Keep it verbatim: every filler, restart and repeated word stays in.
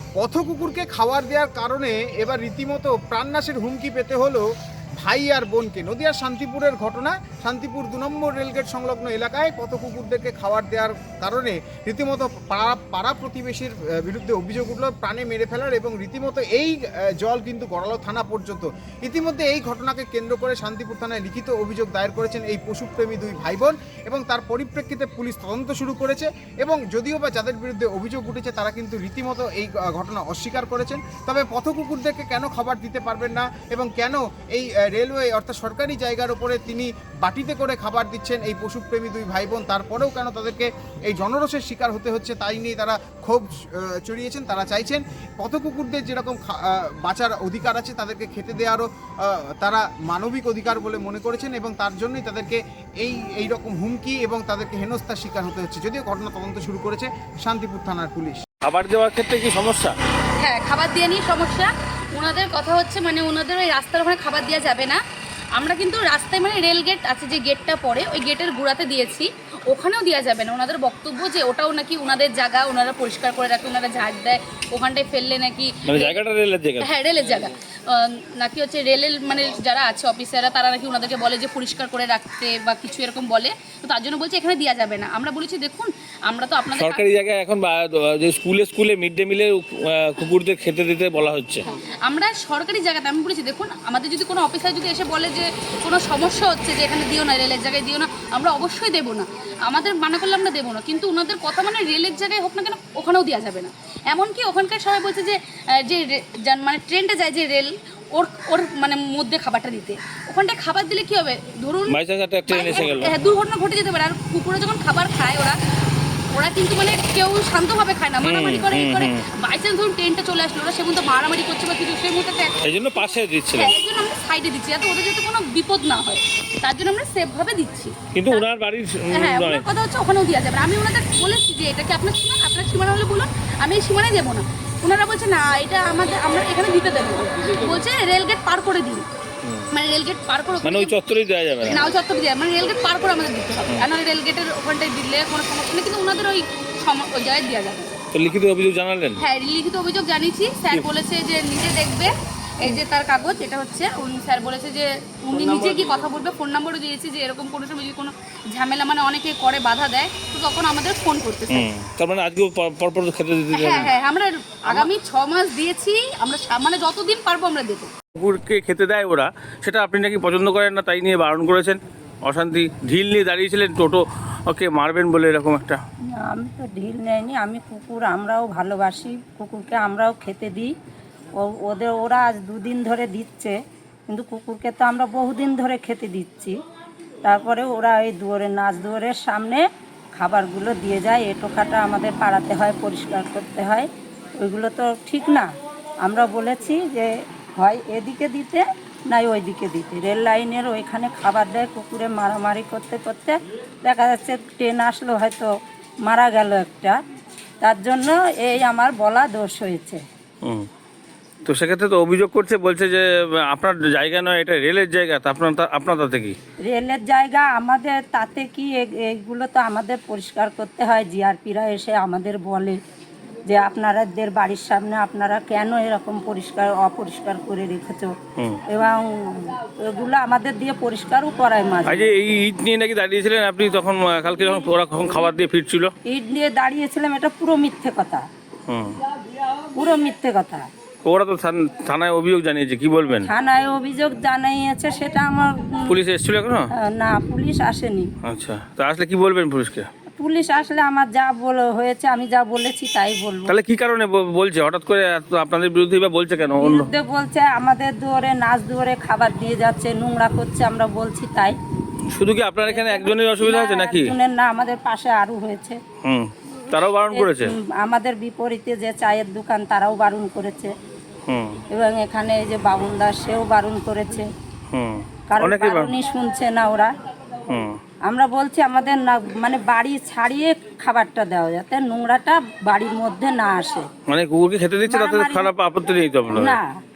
পথ কুকুরকে খাবার দেওয়ার কারণে এবার রীতিমতো প্রাণনাশের হুমকি পেতে হলো ভাই আর বোনকে। নদিয়ার শান্তিপুরের ঘটনা। শান্তিপুর দু নম্বর রেলগেট সংলগ্ন এলাকায় পথ কুকুরদেরকে খাবার দেওয়ার কারণে রীতিমতো পাড়া পাড়া প্রতিবেশীর বিরুদ্ধে অভিযোগ উঠল প্রাণে মেরে ফেলার, এবং রীতিমতো এই জল কিন্তু গড়ালো থানা পর্যন্ত। ইতিমধ্যে এই ঘটনাকে কেন্দ্র করে শান্তিপুর থানায় লিখিত অভিযোগ দায়ের করেছেন এই পশুপ্রেমী দুই ভাই বোন, এবং তার পরিপ্রেক্ষিতে পুলিশ তদন্ত শুরু করেছে। এবং যদিও বা যাদের বিরুদ্ধে অভিযোগ উঠেছে তারা কিন্তু রীতিমতো এই ঘটনা অস্বীকার করেছেন। তবে পথ কুকুরদেরকে কেন খাবার দিতে পারবেন না এবং কেন এই রেলওয়ে অর্থাৎ সরকারি জায়গার উপরে তিনি বাটিতে করে খাবার দিচ্ছেন এই পশুপ্রেমী দুই ভাই বোন, তারপরেও কেন তাদেরকে এই জনরোষের শিকার হতে হচ্ছে তাই নিয়ে তারা ক্ষোভ চড়িয়েছেন। তারা চাইছেন পথ কুকুরদের যেরকম বাঁচার অধিকার আছে তাদেরকে খেতে দেওয়ারও তারা মানবিক অধিকার বলে মনে করেছেন, এবং তার জন্যই তাদেরকে এই এই রকম হুমকি এবং তাদেরকে হেনস্থার শিকার হতে হচ্ছে। যদিও ঘটনা তদন্ত শুরু করেছে শান্তিপুর থানার পুলিশ। খাবার দেওয়ার ক্ষেত্রে কি সমস্যা? হ্যাঁ, খাবার দেওয়া নিয়ে সমস্যা। ওনাদের কথা হচ্ছে মানে ওনাদের ওই রাস্তার ওখানে খাবার দেওয়া যাবে না। আমরা কিন্তু রাস্তায় মানে রেল গেট আছে যে গেটটা পড়ে ওই গেটের গোড়াতে দিয়েছি, ওখানেও দেওয়া যাবে না। ওনাদের বক্তব্য যে ওটাও নাকি ওনাদের জায়গা, ওনারা পরিষ্কার করে রাখে, ওনারা ঝাড় দেয়, ওখানটায় ফেললে নাকি মানে জায়গাটা রেলের জায়গা। হ্যাঁ, রেলের জায়গা নাকি হচ্ছে রেলের মানে যারা আছে অফিসাররা তারা নাকি ওনাদেরকে বলে যে পরিষ্কার করে রাখতে বা কিছু এরকম বলে, তো তার জন্য বলছে এখানে দেওয়া যাবে না। আমরা বলেছি দেখুন আমরা তো আপনাদের সরকারি জায়গায় এখন যে স্কুলে স্কুলে মিড ডে মিলে কুকুরদের খেতে দিতে বলা হচ্ছে। আমরা সরকারি জায়গাতে আমি বলেছি দেখুন আমাদের যদি কোনো অফিসার যদি এসে বলে যে কোনো সমস্যা হচ্ছে যে এখানে দিও না, রেলের জায়গায় দিও না, আমরা অবশ্যই দেবো না। আমাদের মানা করলে আমরা দেবো না, কিন্তু ওনাদের কথা মানে রেলের জায়গায় হোক না কেন ওখানেও দেওয়া যাবে না। এমনকি ওখানকার সবাই বলছে যে যে মানে ট্রেনটা যায় যে রেল ওর ওর মানে মধ্যে খাবারটা দিতে, ওখানটায় খাবার দিলে কি হবে ধরুন হ্যাঁ দুর্ঘটনা ঘটে যেতে পারে। আর কুকুরে যখন খাবার খায় ওরা ওরা কিন্তু মানে কেউ শান্তভাবে খায় না, মারামারি করে করে বাইচান্স ধরুন ট্রেনটা চলে আসলো ওরা সেগুলো মারামারি করছে বা কিছু সেই মুহূর্তে এই জন্য পাশে দিচ্ছিলাম, এই জন্য আমরা সাইডে দিচ্ছি যাতে ওদের যাতে কোনো বিপদ না হয়, তার জন্য আমরা সেফ ভাবে দিচ্ছি। কিন্তু ওনার বাড়ির হ্যাঁ ওনার কথা হচ্ছে ওখানেও দেওয়া যাবে। আমি ওনাদের বলেছি যে এটা কি আপনার সীমানা, আপনার সীমানা হলে বলুন, আমি এই সীমানায় দেবো না। ওনারা বলছে না এটা আমাদের আমরা এখানে দিতে দেবো, বলছে রেলগেট পার করে দিন, মানে রেলগেট পার করে মানে ওই চত্বরেই দেওয়া যাবে না, না ওই চত্বরে দেওয়া মানে রেলগেট পার করে আমাদের দিতে হবে, আর রেলগেটের ওখানটায় দিলে কোনো সমস্যা নেই, কিন্তু ওনাদের ওই ওই জায়গায় দেওয়া যাবে। তো লিখিত অভিযোগ জানালেন? হ্যাঁ লিখিত অভিযোগ জানিয়েছি, স্যার বলেছে যে নিজে দেখবে, এই যে তার কাগজ এটা হচ্ছে, উনি স্যার বলেছে যে উনি নিজে কি কথা বলবে, ফোন নাম্বারও দিয়েছি যে এরকম কোনো সময় যদি কোনো ঝামেলা মানে অনেকে করে বাধা দেয় তো তখন আমাদের ফোন করতে। তার মানে আজকে পরপর খেতে দিতে? হ্যাঁ হ্যাঁ আমরা আগামী ছ মাস দিয়েছি, আমরা মানে যতদিন পারবো আমরা দেবো। কুকুরকে খেতে দেয় ওরা, সেটা আপনি নাকি পছন্দ করেন না তাই নিয়ে বারণ করেছেন, অশান্তি ঢিল নিয়ে দাঁড়িয়েছিলেন টোটো ওকে মারবেন বলে এরকম একটা। আমি তো ঢিল নেয়নি, আমি কুকুর আমরাও ভালোবাসি, কুকুরকে আমরাও খেতে দিই। ও ওদের ওরা আজ দুদিন ধরে দিচ্ছে, কিন্তু কুকুরকে তো আমরা বহুদিন ধরে খেতে দিচ্ছি। তারপরে ওরা এই দুয়ারে নাচ দুয়ারের সামনে খাবারগুলো দিয়ে যায়, এ টোকাটা আমাদের পাড়াতে হয়, পরিষ্কার করতে হয়, ওইগুলো তো ঠিক না। আমরা বলেছি যে হয় এদিকে দিতে নাই ওই দিকে দিতে, রেল লাইনের ওইখানে খাবার দেয়, কুকুরে মারামারি করতে করতে দেখা যাচ্ছে ট্রেন আসলো হয়তো মারা গেল একটা, তার জন্য এই আমার বলা দোষ হয়েছে। হুম, তো সেক্ষেত্রে তো অভিযোগ করছে, বলছে যে আপনার জায়গা নয় এটা রেলের জায়গা, তা আপনার আপনার তাতে কি? রেলের জায়গা আমাদের তাতে কি, এইগুলো তো আমাদের পরিষ্কার করতে হয়। জিআরপিরা এসে আমাদের বলে যে আপনাদের বাড়ির সামনে আপনারা কেন এরকম পরিষ্কার অপরিষ্কার করে রেখেছ, এবং এগুলো আমাদের দিয়ে পরিষ্কারও করায় মাঝে। আজ এই ইট নিয়ে নাকি দাঁড়িয়েছিলেন আপনি তখন, কালকে যখন ওরা কখন খাবার দিয়ে ফিরছিল? ইট নিয়ে দাঁড়িয়েছিলাম, এটা পুরো মিথ্যে কথা, পুরো মিথ্যে কথা। ওরা তো থানায় অভিযোগ জানিয়েছে, কি বলবেন? থানায় অভিযোগ জানিয়েছে, সেটা আমার পুলিশ এসেছিল এখনো? না পুলিশ আসেনি। আচ্ছা, তো আসলে কি বলবেন পুলিশকে? পুলিশ আসলে আমার যা বলে হয়েছে আমি যা বলেছি তাই বলবো। তাহলে কি কারণে বলছে হঠাৎ করে আপনাদের বিরুদ্ধে বা বলছে কেন? বিরুদ্ধে বলছে আমাদের দুয়ারে নাচ দুয়ারে খাবার দিয়ে যাচ্ছে, নোংরা করছে, আমরা বলছি তাই। শুধু কি আপনার এখানে একজনের অসুবিধা হয়েছে নাকি? একজনের না, আমাদের পাশে আরো হয়েছে। হুম, তারাও বারণ করেছে? আমাদের বিপরীতে যে চায়ের দোকান তারাও বারণ করেছে, হুম, এবং এখানে এই যে বাবুন দাস সেও বারণ করেছে। হুম, কারণ বারণই শুনছে না ওরা। হুম, আমরা বলছি আমাদের না মানে বাড়ি ছাড়িয়ে খাবারটা দেওয়া যাতে নোংরাটা বাড়ির মধ্যে না আসে। মানে কুকুরকে খেতে দিচ্ছে তাতে খারাপ আপত্তি নেই তো আপনার? না।